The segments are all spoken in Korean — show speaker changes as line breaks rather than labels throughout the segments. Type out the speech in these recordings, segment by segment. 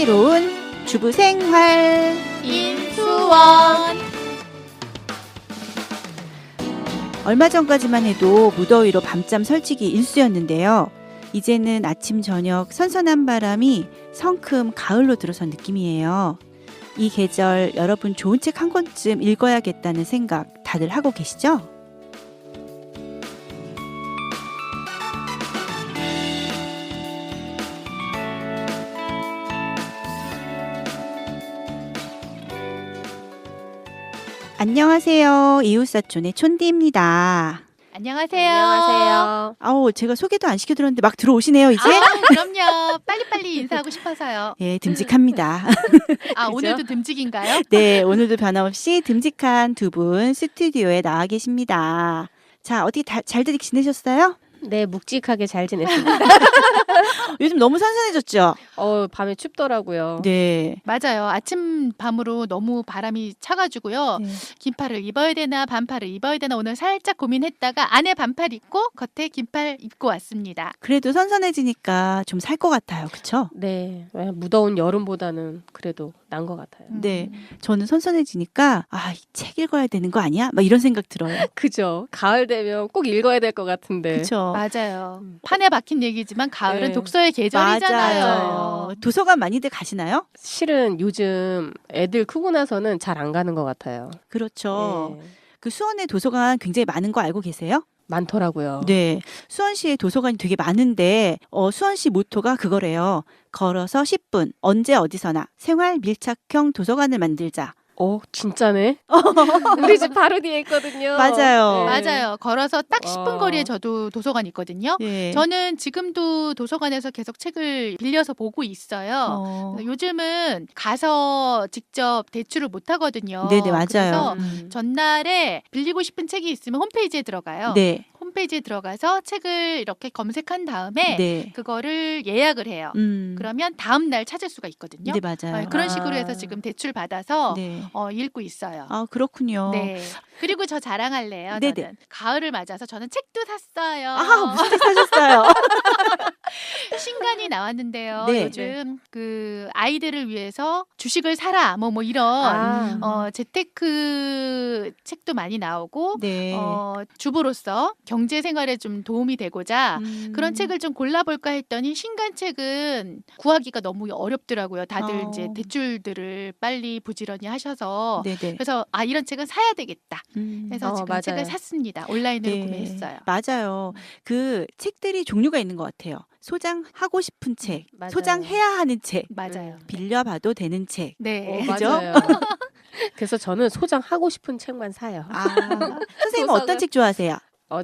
슬기로운 주부 생활
인수원.
얼마 전까지만 해도 무더위로 밤잠 설치기 일쑤였는데요. 이제는 아침 저녁 선선한 바람이 성큼 가을로 들어선 느낌이에요. 이 계절 여러분 좋은 책 한 권쯤 읽어야겠다는 생각 다들 하고 계시죠? 안녕하세요. 이웃사촌의 촌디입니다.
안녕하세요.
안녕하세요.
아우, 제가 소개도 안 시켜드렸는데 막 들어오시네요, 이제?
그럼요. 빨리빨리 인사하고 싶어서요.
예, 듬직합니다.
그죠? 오늘도 듬직인가요?
네, 오늘도 변함없이 듬직한 두 분 스튜디오에 나와 계십니다. 자, 어떻게 잘들 지내셨어요?
네, 묵직하게 잘 지냈습니다.
요즘 너무 선선해졌죠?
밤에 춥더라고요.
네.
맞아요. 아침 밤으로 너무 바람이 차가지고요.
네.
긴팔을 입어야 되나 반팔을 입어야 되나 오늘 살짝 고민했다가 안에 반팔 입고 겉에 긴팔 입고 왔습니다.
그래도 선선해지니까 좀 살 것 같아요. 그쵸?
네, 무더운 여름보다는 그래도 난 것 같아요.
네. 저는 선선해지니까 이 책 읽어야 되는 거 아니야? 막 이런 생각 들어요.
그죠? 가을 되면 꼭 읽어야 될 것 같은데.
그쵸?
맞아요. 판에 박힌 얘기지만 가을은
네.
독서의 계절이잖아요.
맞아요. 도서관 많이들 가시나요?
실은 요즘 애들 크고 나서는 잘 안 가는 것 같아요.
그렇죠.
네,
그 수원에 도서관 굉장히 많은 거 알고 계세요?
많더라고요.
네. 수원시에 도서관이 되게 많은데 수원시 모토가 그거래요. 걸어서 10분, 언제 어디서나 생활 밀착형 도서관을 만들자.
진짜네? 우리 집 바로 뒤에 있거든요.
맞아요.
맞아요. 걸어서 딱 10분
와.
거리에 저도 도서관 있거든요.
네.
저는 지금도 도서관에서 계속 책을 빌려서 보고 있어요. 요즘은 가서 직접 대출을 못 하거든요.
네네, 맞아요.
그래서
음.
전날에 빌리고 싶은 책이 있으면 홈페이지에 들어가요.
네.
홈페이지에 들어가서 책을 이렇게 검색한 다음에
네.
그거를 예약을 해요. 그러면 다음 날 찾을 수가 있거든요.
네, 맞아요.
그런 식으로 해서 지금 대출 받아서
네.
읽고 있어요.
그렇군요.
네. 그리고 저 자랑할래요.
네네.
저는 가을을 맞아서 저는 책도 샀어요.
무슨 책 사셨어요?
신간이 나왔는데요.
네.
요즘 그 아이들을 위해서 주식을 사라 뭐 이런 재테크 책도 많이 나오고
네.
주부로서 경제 생활에 좀 도움이 되고자 그런
음.
책을 좀 골라볼까 했더니 신간 책은 구하기가 너무 어렵더라고요. 다들 이제 대출들을 빨리 부지런히 하셔서
네네.
그래서 이런 책은 사야 되겠다. 그래서 지금
맞아요.
책을 샀습니다. 온라인으로
네.
구매했어요.
맞아요. 그 책들이 종류가 있는 것 같아요. 소장하고 싶은 책,
맞아요.
소장해야 하는 책,
맞아요.
빌려봐도 되는 책.
네.
그죠?
맞아요. 그래서 저는 소장하고 싶은 책만 사요.
선생님은 어떤
도서관-
책 좋아하세요?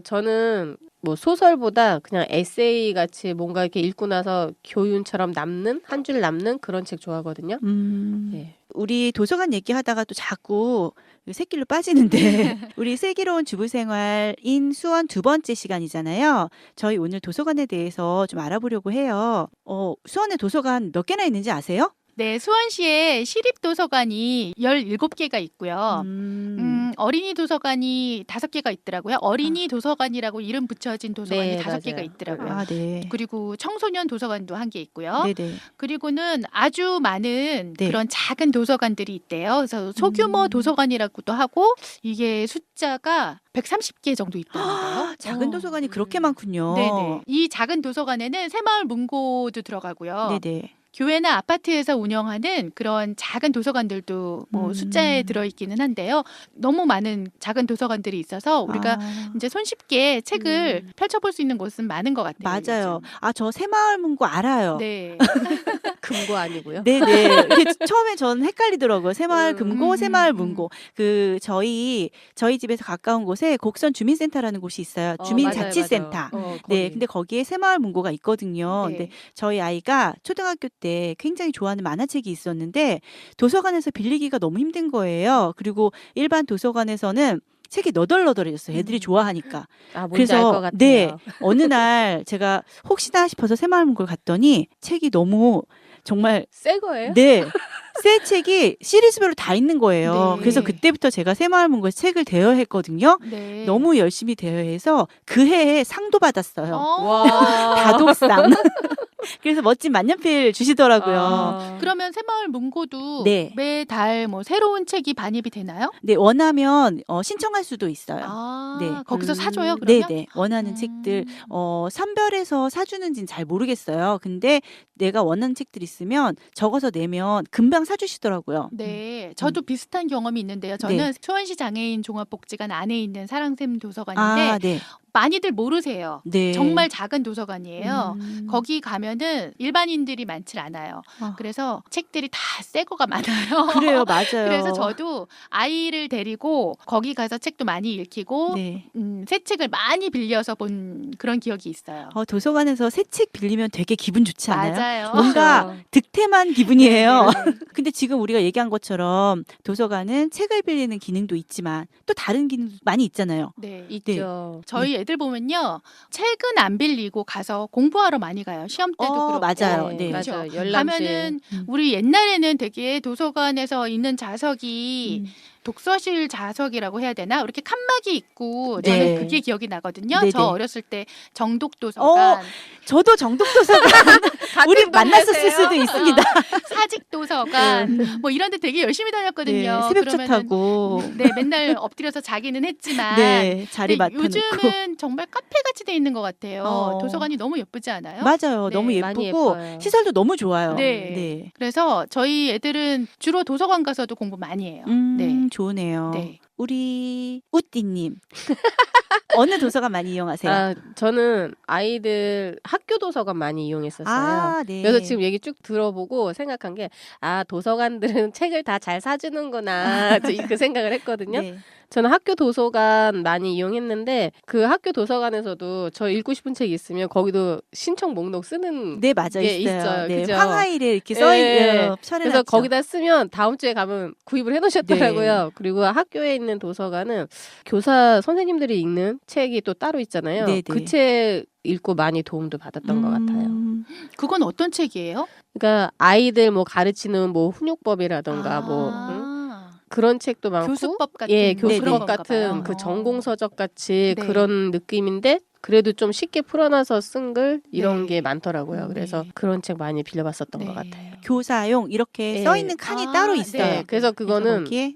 저는 뭐 소설보다 그냥 에세이 같이 뭔가 이렇게 읽고 나서 교훈처럼 남는 한 줄 남는 그런 책 좋아하거든요. 네.
우리 도서관 얘기하다가 또 자꾸 새길로 빠지는데 우리 슬기로운 주부생활인 수원 두 번째 시간이잖아요. 저희 오늘 도서관에 대해서 좀 알아보려고 해요. 수원에 도서관 몇 개나 있는지 아세요?
네, 수원시에 시립도서관이 17개가 있고요. 어린이 도서관이 5개가 있더라고요. 어린이 도서관이라고 이름 붙여진 도서관이
네,
5개가
맞아요.
있더라고요.
네.
그리고 청소년 도서관도 1개 있고요.
네네.
그리고는 아주 많은
네.
그런 작은 도서관들이 있대요. 그래서 소규모 도서관이라고도 하고 이게 숫자가 130개 정도 있더라고요.
작은 도서관이 그렇게 많군요.
네네. 이 작은 도서관에는 새마을 문고도 들어가고요.
네네.
교회나 아파트에서 운영하는 그런 작은 도서관들도 뭐 숫자에 들어있기는 한데요. 너무 많은 작은 도서관들이 있어서 우리가 이제 손쉽게 책을 펼쳐볼 수 있는 곳은 많은 것 같아요.
맞아요.
요즘.
저 새마을 문고 알아요.
네.
금고 아니고요.
네네. 이게 처음에 전 헷갈리더라고요. 새마을 금고, 새마을 문고. 저희 집에서 가까운 곳에 곡선 주민센터라는 곳이 있어요. 주민자치센터.
맞아요.
네,
거기.
근데 거기에 새마을 문고가 있거든요.
네.
근데 저희 아이가 초등학교 때 굉장히 좋아하는 만화책이 있었는데 도서관에서 빌리기가 너무 힘든 거예요. 그리고 일반 도서관에서는 책이 너덜너덜해졌어요. 애들이 좋아하니까.
뭔지 알 것 같아요.
네, 어느 날 제가 혹시나 싶어서 새마을 문고를 갔더니 책이 너무 정말
새 거예요?
네. 새 책이 시리즈별로 다 있는 거예요.
네.
그래서 그때부터 제가 새마을문고에서 책을 대여했거든요.
네.
너무 열심히 대여해서 그 해에 상도 받았어요.
와.
다독상. 그래서 멋진 만년필 주시더라고요.
아.
그러면 새마을 문고도
네.
매달 뭐 새로운 책이 반입이 되나요?
네, 원하면 신청할 수도 있어요.
아,
네.
거기서 사줘요, 그러면?
네네. 원하는 책들 선별해서 사주는지는 잘 모르겠어요. 근데 내가 원하는 책들 있으면 적어서 내면 금방 사주시더라고요.
네, 저도 비슷한 경험이 있는데요. 저는
네.
수원시 장애인 종합복지관 안에 있는 사랑샘 도서관인데
아, 네.
많이들 모르세요.
네.
정말 작은 도서관이에요.
음.
거기 가면은 일반인들이 많지 않아요.
아.
그래서 책들이 다 새 거가 많아요.
그래요, 맞아요.
그래서 저도 아이를 데리고 거기 가서 책도 많이 읽히고
네.
새 책을 많이 빌려서 본 그런 기억이 있어요.
도서관에서 새 책 빌리면 되게 기분 좋지 않아요?
맞아요.
뭔가
그렇죠.
득템한 기분이에요.
네.
근데 지금 우리가 얘기한 것처럼 도서관은 책을 빌리는 기능도 있지만 또 다른 기능도 많이 있잖아요.
네.
있죠.
저희 애들 보면요. 책은 안 빌리고 가서 공부하러 많이 가요. 시험 때도 그렇고.
맞아요. 네.
그렇죠.
맞아요. 열람실.
가면은 우리 옛날에는 되게 도서관에서 있는 자석이 독서실 자석이라고 해야 되나? 이렇게 칸막이 있고 저는
네.
그게 기억이 나거든요.
네네.
저 어렸을 때 정독도서관,
저도 정독도서관 우리 만났었을 수도 있습니다.
사직도서관 뭐 이런 데 되게 열심히
네,
다녔거든요.
새벽차
그러면은
타고
네, 맨날 엎드려서 자기는 했지만
네, 자리
근데
맡아놓고.
요즘은 정말 카페 같이 돼 있는 것 같아요. 도서관이 너무 예쁘지 않아요?
맞아요.
네,
너무
많이
예쁘고
예뻐요.
시설도 너무 좋아요.
네. 그래서 저희 애들은 주로 도서관 가서도 공부 많이 해요. 네.
좋네요.
네.
우리 우띠님 어느 도서관 많이 이용하세요?
아, 저는 아이들 학교 도서관 많이 이용했었어요.
네.
그래서 지금 얘기 쭉 들어보고 생각한 게, 도서관들은 책을 다 잘 사주는구나. 그 생각을 했거든요.
네.
저는 학교 도서관 많이 이용했는데, 그 학교 도서관에서도 저 읽고 싶은 책 있으면 거기도 신청 목록 쓰는
네, 맞아요.
게
있어요.
있어요.
네,
그죠?
황하일에 이렇게
예,
써있는
그래서 거기다 쓰면 다음 주에 가면 구입을 해놓으셨더라고요. 그리고 학교에 있는 도서관은 교사 선생님들이 읽는 책이 또 따로 있잖아요.
네네.
그 책 읽고 많이 도움도 받았던 것 같아요.
그건 어떤 책이에요?
그러니까 아이들 뭐 가르치는 뭐 훈육법이라던가 뭐 그런 책도 많고,
교수법 같은
예,
그런
교수법
건가
같은
봐요.
그 전공서적 같이
네.
그런 느낌인데 그래도 좀 쉽게 풀어놔서 쓴 글 이런
네.
게 많더라고요. 그래서
네.
그런 책 많이 빌려봤었던 것
네.
같아요.
교사용 이렇게
네.
써있는 칸이 따로 있어요.
네, 그래서 그거는
거기에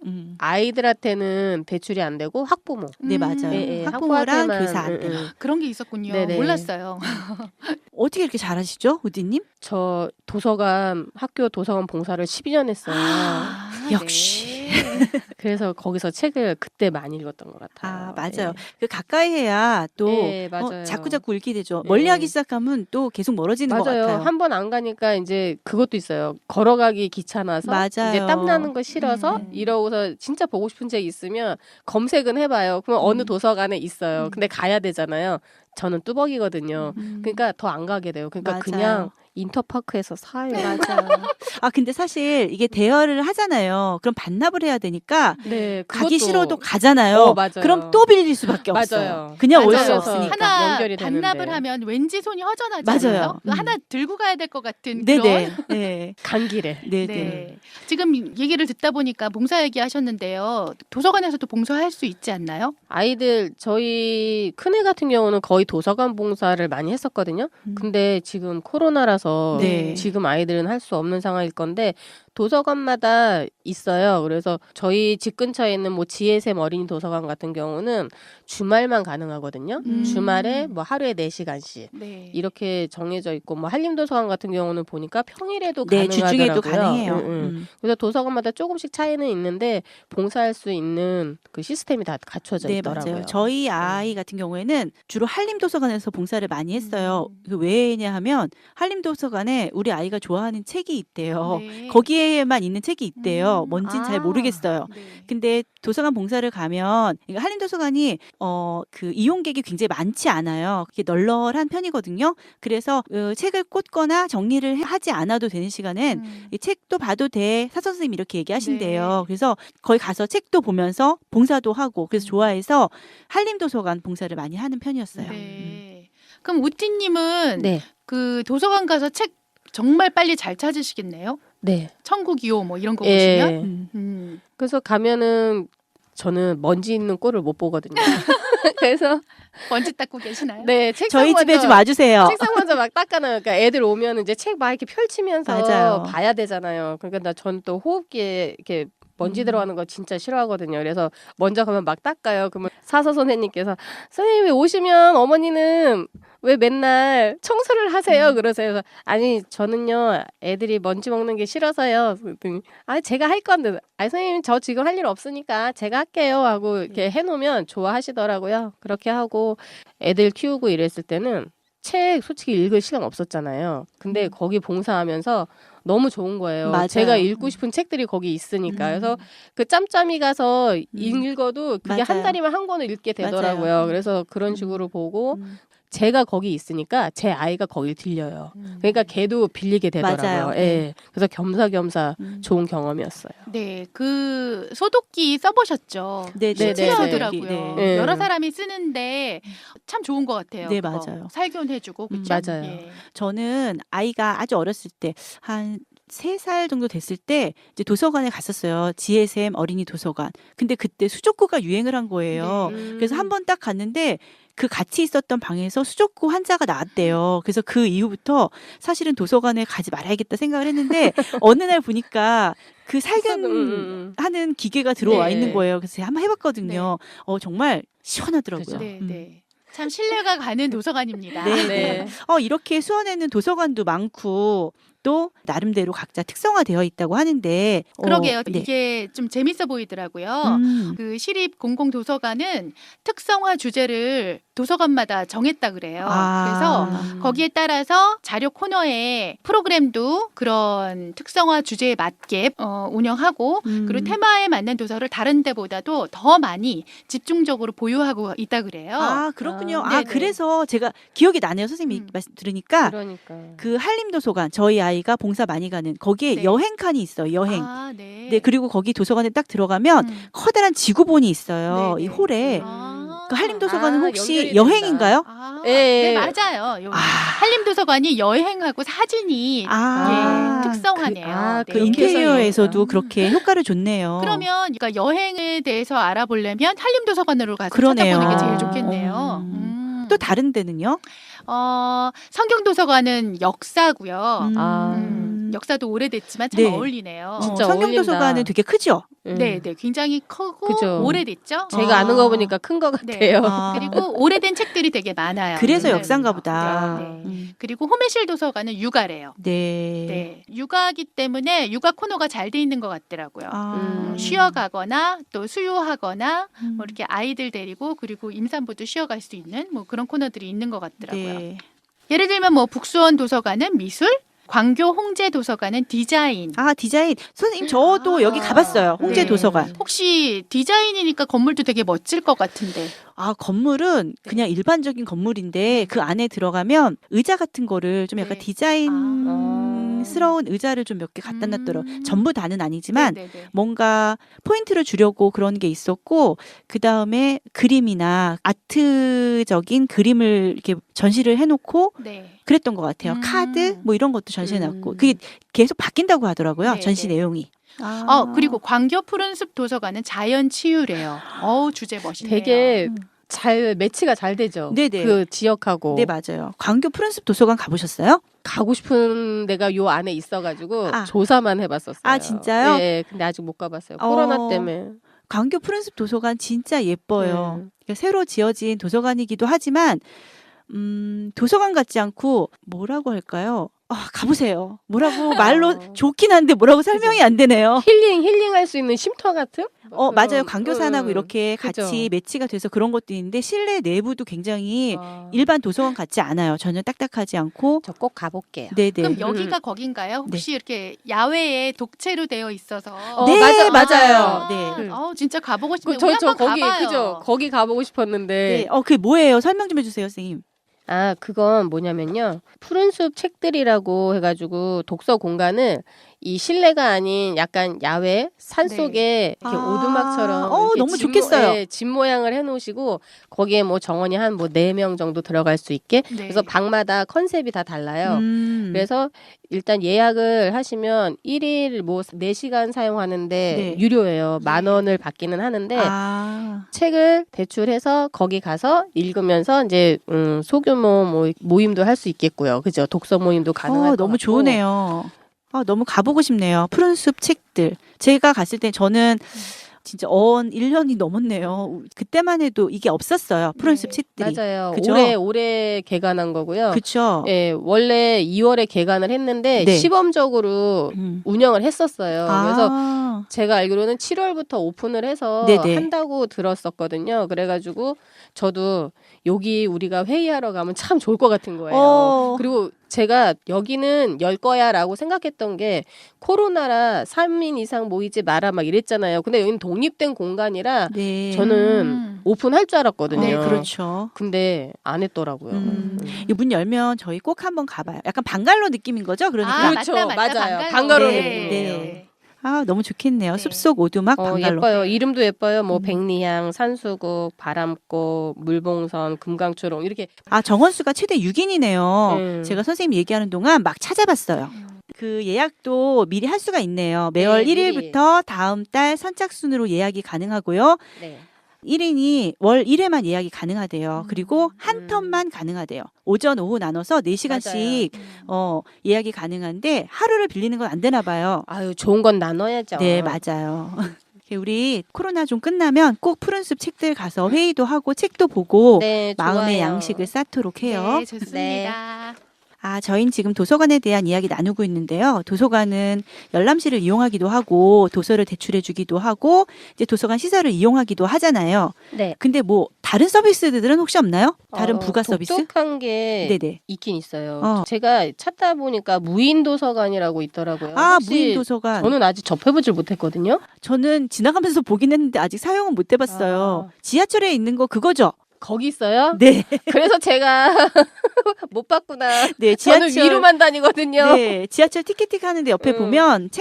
아이들한테는 대출이 안 되고 학부모.
네, 맞아요.
예,
학부모랑
학부모한테만,
교사한테.
그런 게 있었군요.
네네.
몰랐어요.
어떻게 이렇게 잘하시죠, 우디님?
저 학교 도서관 봉사를 12년 했어요.
역시.
네.
그래서 거기서 책을 그때 많이 읽었던 것 같아요.
맞아요.
네.
그 가까이 해야 또
네, 맞아요.
자꾸자꾸 읽게 되죠.
네.
멀리하기 시작하면 또 계속 멀어지는 것
맞아요.
같아요.
한 번 안 가니까 이제 그것도 있어요. 걸어가기 귀찮아서
맞아요.
이제 땀 나는 거 싫어서 이러고서 진짜 보고 싶은 책 있으면 검색은 해봐요. 그럼 어느 도서관에 있어요. 근데 가야 되잖아요. 저는 뚜벅이거든요. 그러니까 더 안 가게 돼요. 그러니까
맞아요.
그냥 인터파크에서 사요.
맞아요. 근데 사실 이게 대여를 하잖아요. 그럼 반납을 해야 되니까
네,
가기
그것도-
싫어도 가잖아요.
맞아요.
그럼 또 빌릴 수밖에
맞아요.
없어요. 그냥 올 수
맞아요.
없으니까.
하나
연결이
반납을
되는데.
하면 왠지 손이 허전하지
맞아요.
않아요? 하나 들고 가야 될 것 같은
네네.
그런.
네.
간 길에.
네네.
네. 지금 얘기를 듣다 보니까 봉사 얘기하셨는데요. 도서관에서도 봉사할 수 있지 않나요?
아이들 저희 큰애 같은 경우는 거의 도서관 봉사를 많이 했었거든요. 근데 지금 코로나라서
네.
지금 아이들은 할 수 없는 상황일 건데 도서관마다 있어요. 그래서 저희 집 근처에 있는 뭐 지혜샘 어린이 도서관 같은 경우는 주말만 가능하거든요. 주말에 뭐 하루에 4시간씩
네.
이렇게 정해져 있고 뭐 한림도서관 같은 경우는 보니까 평일에도
네,
가능하더라고요.
주중에도 가능해요.
그래서 도서관마다 조금씩 차이는 있는데 봉사할 수 있는 그 시스템이 다 갖춰져
네,
있더라고요.
맞아요. 저희 아이 같은 경우에는 주로 한림도서관에서 봉사를 많이 했어요. 그 왜냐 하면 한림도서관에 우리 아이가 좋아하는 책이 있대요.
네.
거기에만 있는 책이 있대요. 뭔진 잘 모르겠어요.
네.
근데 도서관 봉사를 가면 그러니까 한림도서관이 그 이용객이 굉장히 많지 않아요. 그게 널널한 편이거든요. 그래서 책을 꽂거나 정리를 하지 않아도 되는 시간엔 이 책도 봐도 돼. 사서 선생님 이렇게 얘기하신대요.
네.
그래서 거기 가서 책도 보면서 봉사도 하고 그래서 좋아해서 한림도서관 봉사를 많이 하는 편이었어요.
네. 그럼 우띠님은
네.
그 도서관 가서 책 정말 빨리 잘 찾으시겠네요?
네.
천국 2호 뭐 이런 거
예.
보시면
그래서 가면은 저는 먼지 있는 꼴을 못 보거든요. 그래서
먼지 닦고 계시나요?
네, 책상
저희 집에
먼저,
좀 와주세요.
책상 먼저 막 닦아놔요. 그러니까 애들 오면 이제 책 막 이렇게 펼치면서
맞아요.
봐야 되잖아요. 그러니까 전 또 호흡기에 이렇게 먼지 들어가는 거 진짜 싫어하거든요. 그래서 먼저 가면 막 닦아요. 그러면 사서 선생님께서 선생님이 오시면 어머니는 왜 맨날 청소를 하세요? 그러세요. 그래서 아니 저는요 애들이 먼지 먹는 게 싫어서요. 그랬더니 아 제가 할 건데 아 선생님 저 지금 할 일 없으니까 제가 할게요 하고 이렇게 해놓으면 좋아하시더라고요. 그렇게 하고 애들 키우고 이랬을 때는 책 솔직히 읽을 시간 없었잖아요. 근데 거기 봉사하면서 너무 좋은 거예요.
맞아요.
제가 읽고 싶은 책들이 거기 있으니까. 그래서 그 짬짬이 가서 읽어도 그게 한
맞아요.
달이면 한 권을 읽게 되더라고요.
맞아요.
그래서 그런 식으로 보고 제가 거기 있으니까 제 아이가 거길 들려요. 그러니까 걔도 빌리게 되더라고요.
맞아요.
예. 그래서 겸사겸사 좋은 경험이었어요.
네, 그 소독기 써보셨죠?
네, 네,
신기하더라고요.
네.
여러 사람이 쓰는데 참 좋은 것 같아요.
네,
그거.
맞아요.
살균해주고 그렇죠?
맞아요.
예.
저는 아이가 아주 어렸을 때 한 3살 정도 됐을 때 이제 도서관에 갔었어요. GSM 어린이 도서관. 근데 그때 수족구가 유행을 한 거예요.
네.
그래서 한 번 딱 갔는데 그 같이 있었던 방에서 수족구 환자가 나왔대요. 그래서 그 이후부터 사실은 도서관에 가지 말아야겠다 생각을 했는데 어느 날 보니까 그 살균하는 기계가 들어와
네.
있는 거예요. 그래서 제가 한번 해봤거든요. 정말 시원하더라고요.
그죠.
네, 네. 참 신뢰가 가는 도서관입니다.
네,
네.
이렇게 수원에는 도서관도 많고 또 나름대로 각자 특성화되어 있다고 하는데
그러게요.
네.
이게 좀 재밌어 보이더라고요. 그 시립 공공도서관은 특성화 주제를 도서관마다 정했다 그래요. 그래서 거기에 따라서 자료 코너에 프로그램도 그런 특성화 주제에 맞게 운영하고 그리고 테마에 맞는 도서를 다른 데보다도 더 많이 집중적으로 보유하고 있다 그래요.
그렇군요.
네네.
그래서 제가 기억이 나네요. 선생님이 말씀 들으니까
그러니까.
그 한림도서관 저희 아이가 봉사 많이 가는 거기에
네.
여행 칸이 있어요. 여행.
네.
네, 그리고 거기 도서관에 딱 들어가면 커다란 지구본이 있어요.
네네.
이 홀에. 그 한림도서관은
아,
혹시
연결이
여행인가요?
예.
네, 맞아요. 한림도서관이 여행하고 사진이 특성화네요.
그
네.
인테리어에서도 그렇게 효과를 줬네요.
그러면 그러니까 여행에 대해서 알아보려면 한림도서관으로 가서
그러네요.
찾아보는 게 제일 좋겠네요.
또 다른 데는요?
성경도서관은 역사고요. 역사도 오래됐지만 참
네.
어울리네요.
진짜
성경도서관은
어울린다.
되게 크죠?
네, 굉장히 크고
그죠.
오래됐죠.
제가 아는 거 보니까 큰 거
네.
같아요.
그리고 오래된 책들이 되게 많아요.
그래서
네.
역사인가 보다.
네. 그리고 호메실 도서관은 육아래요.
네.
네, 육아기 때문에 육아 코너가 잘 돼 있는 것 같더라고요. 쉬어가거나 또 수유하거나 뭐 이렇게 아이들 데리고 그리고 임산부도 쉬어갈 수 있는 뭐 그런 코너들이 있는 것 같더라고요.
네.
예를 들면 뭐 북수원 도서관은 미술, 광교 홍제 도서관은 디자인.
디자인. 선생님, 저도 여기 가봤어요. 홍제
네.
도서관.
혹시 디자인이니까 건물도 되게 멋질 것 같은데.
건물은 그냥 일반적인 건물인데 그 안에 들어가면 의자 같은 거를 좀 약간
네.
디자인스러운 의자를 좀 몇 개 갖다 놨더라고요. 전부 다는 아니지만
네네네.
뭔가 포인트를 주려고 그런 게 있었고 그 다음에 그림이나 아트적인 그림을 이렇게 전시를 해놓고
네.
그랬던 것 같아요. 카드 뭐 이런 것도 전시해놨고 그게 계속 바뀐다고 하더라고요.
네,
전시
네.
내용이.
그리고 광교 푸른숲 도서관은 자연 치유래요. 주제 멋있네요.
되게 잘 매치가 잘 되죠.
네네.
그 지역하고.
네, 맞아요. 광교 푸른숲 도서관 가보셨어요?
가고 싶은 데가 요 안에 있어가지고
아.
조사만 해봤었어요.
진짜요?
네, 근데 아직 못 가봤어요. 코로나 때문에.
광교 푸른숲 도서관 진짜 예뻐요.
네.
그러니까 새로 지어진 도서관이기도 하지만 도서관 같지 않고 뭐라고 할까요? 가보세요. 뭐라고 말로 좋긴 한데 뭐라고 설명이 안 되네요.
힐링할 수 있는 쉼터 같은?
맞아요. 광교산하고 이렇게
그죠.
같이 매치가 돼서 그런 것도 있는데 실내 내부도 굉장히
아.
일반 도서관 같지 않아요. 전혀 딱딱하지 않고.
저 꼭 가볼게요.
네네.
그럼 여기가 거긴가요? 혹시 이렇게 야외에 독채로 되어 있어서
네, 맞아요.
아.
네.
진짜 가보고 싶네요.
저
우리 한번
거기
가봐요.
그죠? 거기 가보고 싶었는데.
네. 그게 뭐예요? 설명 좀 해주세요, 선생님.
그건 뭐냐면요. 푸른숲 책들이라고 해가지고 독서 공간을 이 실내가 아닌 약간 야외 산
네.
속에 이렇게 오두막처럼 이렇게
너무 좋겠어요.
예, 집 모양을 해놓으시고 거기에 뭐 정원이 한 뭐 4명 정도 들어갈 수 있게
네.
그래서 방마다 컨셉이 다 달라요. 그래서 일단 예약을 하시면 1일 뭐 4시간 사용하는데
네.
유료예요. 10,000원을 받기는 하는데 책을 대출해서 거기 가서 읽으면서 이제 소규모 모임도 할 수 있겠고요. 그죠? 독서 모임도 가능할 것
너무
같고.
좋으네요. 너무 가보고 싶네요. 푸른숲 책들. 제가 갔을 때 저는 진짜 1년이 넘었네요. 그때만 해도 이게 없었어요. 푸른숲
네.
책들이.
맞아요.
그죠?
올해 개관한 거고요.
그렇죠.
예, 원래 2월에 개관을 했는데
네.
시범적으로 운영을 했었어요. 그래서
아,
제가 알기로는 7월부터 오픈을 해서
네네.
한다고 들었었거든요. 그래가지고 저도 여기 우리가 회의하러 가면 참 좋을 것 같은 거예요. 그리고 제가 여기는 열 거야라고 생각했던 게 코로나라 3인 이상 모이지 마라 막 이랬잖아요. 근데 여기는 독립된 공간이라
네.
저는 오픈할 줄 알았거든요.
네, 그렇죠.
근데 안 했더라고요.
이 문 열면 저희 꼭 한번 가봐요. 약간 방갈로 느낌인 거죠? 그러니까.
그렇죠.
맞다,
맞아요.
방갈로.
방갈로
네,
느낌이에요.
네. 너무 좋겠네요.
네.
숲속 오두막 방갈로.
예뻐요. 이름도 예뻐요. 뭐 백리향, 산수국, 바람꽃, 물봉선, 금강초롱 이렇게.
정원수가 최대 6인이네요. 제가 선생님 얘기하는 동안 막 찾아봤어요. 그 예약도 미리 할 수가 있네요. 매월
네,
1일부터 다음 달 선착순으로 예약이 가능하고요.
네.
1인이 월 1회만 예약이 가능하대요. 그리고 한 턴만 가능하대요. 오전, 오후 나눠서 4시간씩 예약이 가능한데 하루를 빌리는 건 안 되나 봐요.
아유, 좋은 건 나눠야죠.
네, 맞아요. 우리 코로나 좀 끝나면 꼭 푸른숲 책들 가서 회의도 하고 책도 보고
네,
마음의
좋아요.
양식을 쌓도록 해요.
네, 좋습니다.
저희는 지금 도서관에 대한 이야기 나누고 있는데요. 도서관은 열람실을 이용하기도 하고 도서를 대출해주기도 하고 이제 도서관 시설을 이용하기도 하잖아요.
네.
근데 뭐 다른 서비스들은 혹시 없나요? 다른 부가 서비스?
독특한 게
네네.
있긴 있어요. 제가 찾다 보니까 무인 도서관이라고 있더라고요. 혹시
무인 도서관.
저는 아직 접해보질 못했거든요.
저는 지나가면서 보긴 했는데 아직 사용은 못 해봤어요. 지하철에 있는 거 그거죠?
거기 있어요?
네.
그래서 제가 못 봤구나.
네,
저는 위로만 다니거든요.
네, 지하철 티켓팅 하는데 옆에 보면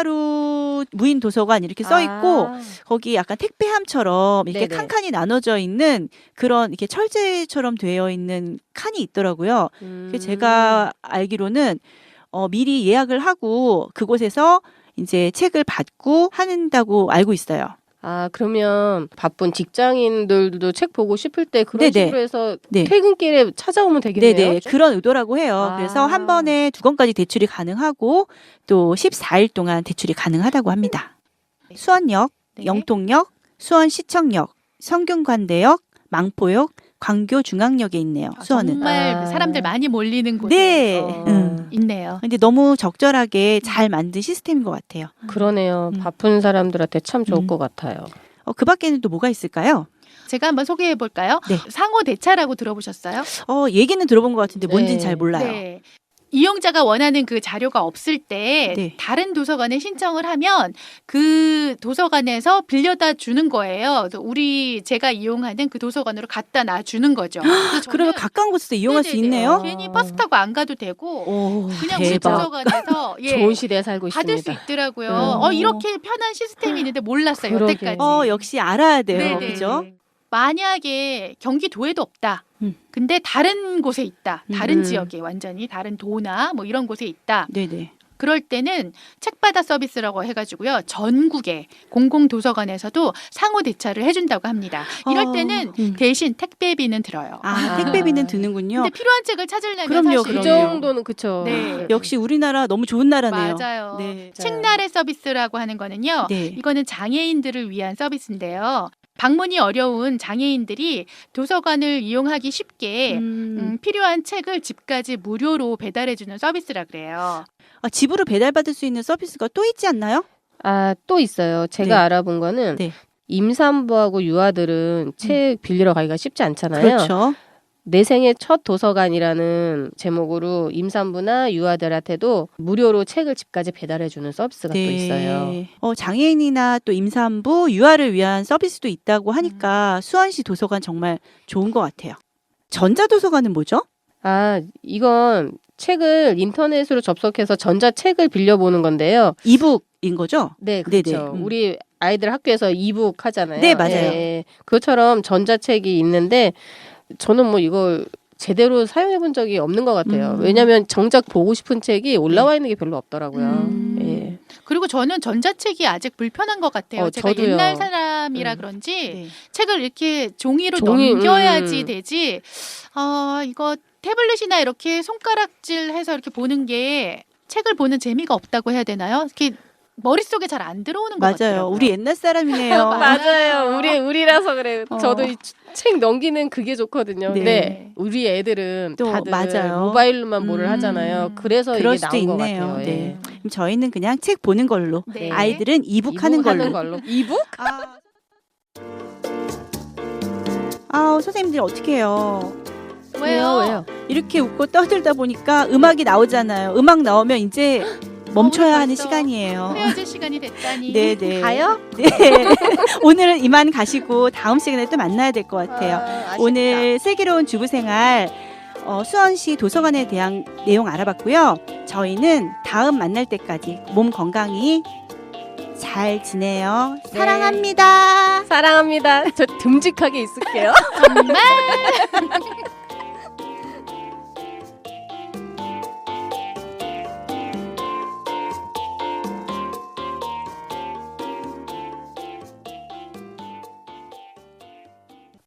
책나루 무인 도서관 이렇게 써 있고 거기 약간 택배함처럼 이렇게
네네.
칸칸이 나눠져 있는 그런 이렇게 철제처럼 되어 있는 칸이 있더라고요. 그래서 제가 알기로는 미리 예약을 하고 그곳에서 이제 책을 받고 한다고 알고 있어요.
그러면 바쁜 직장인들도 책 보고 싶을 때 그런
네네.
식으로 해서
네.
퇴근길에 찾아오면 되겠네요.
네네. 그런 의도라고 해요. 그래서 한 번에 2권까지 대출이 가능하고 또 14일 동안 대출이 가능하다고 합니다. 수원역,
네.
영통역, 수원시청역, 성균관대역, 망포역, 광교중앙역에 있네요. 수원은.
정말 사람들 많이 몰리는 곳에
네.
있네요.
근데 너무 적절하게 잘 만든 시스템인 것 같아요.
그러네요. 바쁜 사람들한테 참 좋을 것 같아요.
그 밖에는 또 뭐가 있을까요?
제가 한번 소개해 볼까요?
네.
상호 대차라고 들어보셨어요?
얘기는 들어본 것 같은데 뭔지는
네.
잘 몰라요.
네. 이용자가 원하는 그 자료가 없을 때
네.
다른 도서관에 신청을 하면 그 도서관에서 빌려다 주는 거예요. 그래서 제가 이용하는 그 도서관으로 갖다 놔 주는 거죠. 그래서
그러면
저는
가까운 곳에서 이용할 수
네네네.
있네요.
괜히 버스 타고 안 가도 되고 그냥 우리
대박.
도서관에서
좋은 시대에 살고
받을
있습니다.
수 있더라고요. 이렇게 편한 시스템이 있는데 몰랐어요.
그러게요.
여태까지.
역시 알아야 돼요.
네네.
그죠?
만약에 경기도에도 없다. 근데 다른 곳에 있다. 다른 지역에 완전히 다른 도나 뭐 이런 곳에 있다.
네네.
그럴 때는 책받아 서비스라고 해가지고요. 전국의 공공도서관에서도 상호 대차를 해준다고 합니다. 이럴 때는 대신 택배비는 들어요.
택배비는 드는군요.
근데 필요한 책을 찾으려면
그럼요,
사실
그 정도는 그쵸.
네.
역시 우리나라 너무 좋은 나라네요.
맞아요.
네.
책나래 서비스라고 하는 거는요.
네.
이거는 장애인들을 위한 서비스인데요. 방문이 어려운 장애인들이 도서관을 이용하기 쉽게 필요한 책을 집까지 무료로 배달해주는 서비스라 그래요.
집으로 배달받을 수 있는 서비스가 또 있지 않나요?
또 있어요. 제가
네.
알아본 거는
네.
임산부하고 유아들은 책 빌리러 가기가 쉽지 않잖아요.
그렇죠.
내 생애 첫 도서관이라는 제목으로 임산부나 유아들한테도 무료로 책을 집까지 배달해주는 서비스가 또 있어요.
장애인이나 또 임산부, 유아를 위한 서비스도 있다고 하니까 수원시 도서관 정말 좋은 것 같아요. 전자도서관은 뭐죠?
이건 책을 인터넷으로 접속해서 전자책을 빌려보는 건데요.
이북인 거죠?
네, 그렇죠.
네네.
우리 아이들 학교에서 이북 하잖아요.
네, 맞아요.
예, 그것처럼 전자책이 있는데 저는 뭐 이걸 제대로 사용해 본 적이 없는 것 같아요. 왜냐하면 정작 보고 싶은 책이 올라와 있는 게 별로 없더라고요. 예.
그리고 저는 전자책이 아직 불편한 것 같아요. 제가
저도요.
옛날 사람이라 그런지
네.
책을 이렇게 종이로
종이,
넘겨야지 되지. 이거 태블릿이나 이렇게 손가락질해서 이렇게 보는 게 책을 보는 재미가 없다고 해야 되나요? 이렇게 머릿속에 잘 안 들어오는 것
맞아요.
같아요.
우리 옛날 사람이네요.
맞아요. 우리라서 그래요. 저도 이 책 넘기는 그게 좋거든요.
네.
근데 우리 애들은
또
다들
맞아요.
모바일로만 뭐를 하잖아요. 그래서
그럴
이게
수도
나온 것
있네요.
같아요.
네. 그럼 저희는 그냥 책 보는 걸로,
네.
아이들은 이북 하는 걸로.
이북?
선생님들 어떻게 해요?
왜요?
이렇게 웃고 떠들다 보니까 음악이 나오잖아요. 음악 나오면 이제 멈춰야 하는
벌써
시간이에요.
헤어질 시간이 됐다니.
네네.
가요?
네. 오늘은 이만 가시고 다음 시간에 또 만나야 될 것 같아요. 오늘 슬기로운 주부생활 수원시 도서관에 대한 내용 알아봤고요. 저희는 다음 만날 때까지 몸 건강히 잘 지내요.
네.
사랑합니다.
사랑합니다. 저 듬직하게 있을게요.
정말